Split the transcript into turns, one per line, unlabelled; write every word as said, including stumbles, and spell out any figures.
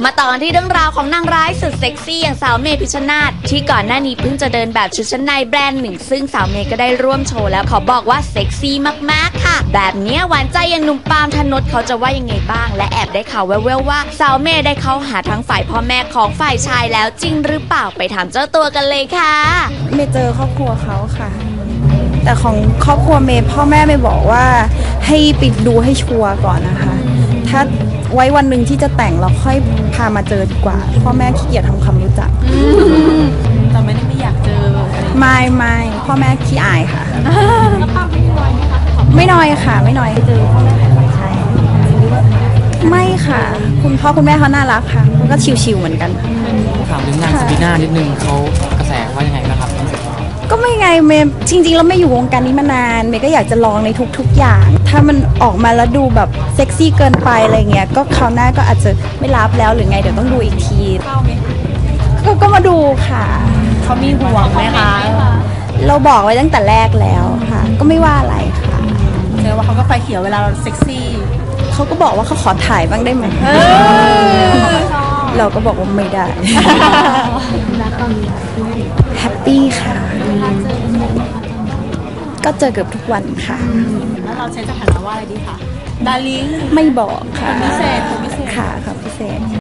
มาต่อกันที่เรื่องราวของนางร้ายสุดเซ็กซี่อย่างสาวเมย์พิชชนาธิ์ที่ก่อนหน้านี้เพิ่งจะเดินแบบชุดชั้นในแบรนด์หนึ่งซึ่งสาวเมย์ก็ได้ร่วมโชว์แล้วเขาบอกว่าเซ็กซี่มากๆค่ะแบบนี้หวานใจอย่างหนุ่มปาล์มธนดเขาจะว่ายังไงบ้างและแอบได้ข่าวแว่วๆว่าสาวเมย์ได้เข้าหาทั้งฝ่ายพ่อแม่ของฝ่ายชายแล้วจริงหรือเปล่าไปถามเจ้าตัวกันเลยค่ะ
เมย์เจอครอบครัวเขาค่ะแต่ของครอบครัวเมย์พ่อแม่เมย์บอกว่าให้ปิดดูให้ชัวร์ก่อนนะคะถ้าไว้วันหนึ่งที่จะแต่งเราค่อยพามาเจอดีกว่าพ่อแม่ขี้เกียจทำความรู้จัก
แต่ไม่ได้ไม่อยากเจอ
ไม่ไม่พ่อแม่ขี้อายค่ะแล้วป้าไม่น้อยไหมคะไม่น้อยค่ะไม่น้อยเจอพ่อแม่ฝ่ายชายไม่ค่ะคุณพ่อคุณแม่เขาน่ารักค่ะก็ชิวๆเหมือนกัน
ถามเรื่องงานสปีน่านิดนึงเขากระแสว่ายังไงนะครับ
ก็ไม่ไงเมย์จริงๆแล้วไม่อยู่วงการนี้มานานเมย์ก็อยากจะลองในทุกๆอย่างถ้ามันออกมาแล้วดูแบบเซ็กซี่เกินไปอะไรเงี้ยก็คราวหน้าก็อาจจะไม่รับแล้วหรือไงเดี๋ยวต้องดูอีกทีก็ก็มาดูค่ะ
เขามีห่วงไหมคะ
เราบอกไว้ตั้งแต่แรกแล้วค่ะก็ไม่ว่าอะไรค่ะ
แสดงว่าเขาก็ไฟเขียวเวลาเราเซ็กซี่
เขาก็บอกว่าเขาขอถ่ายบ้างได้ไหมเราก็บอกว่าไม่ได้แฮปปี้ค่ะก็เจอเกือบทุกวันค่ะ
แล้วเราใช้สถานะว่าอะไรดีคะดาริ่ง
ไม่บอกค่ะ
พิเศษพิเศษ
ค่ะค่ะพิเศษ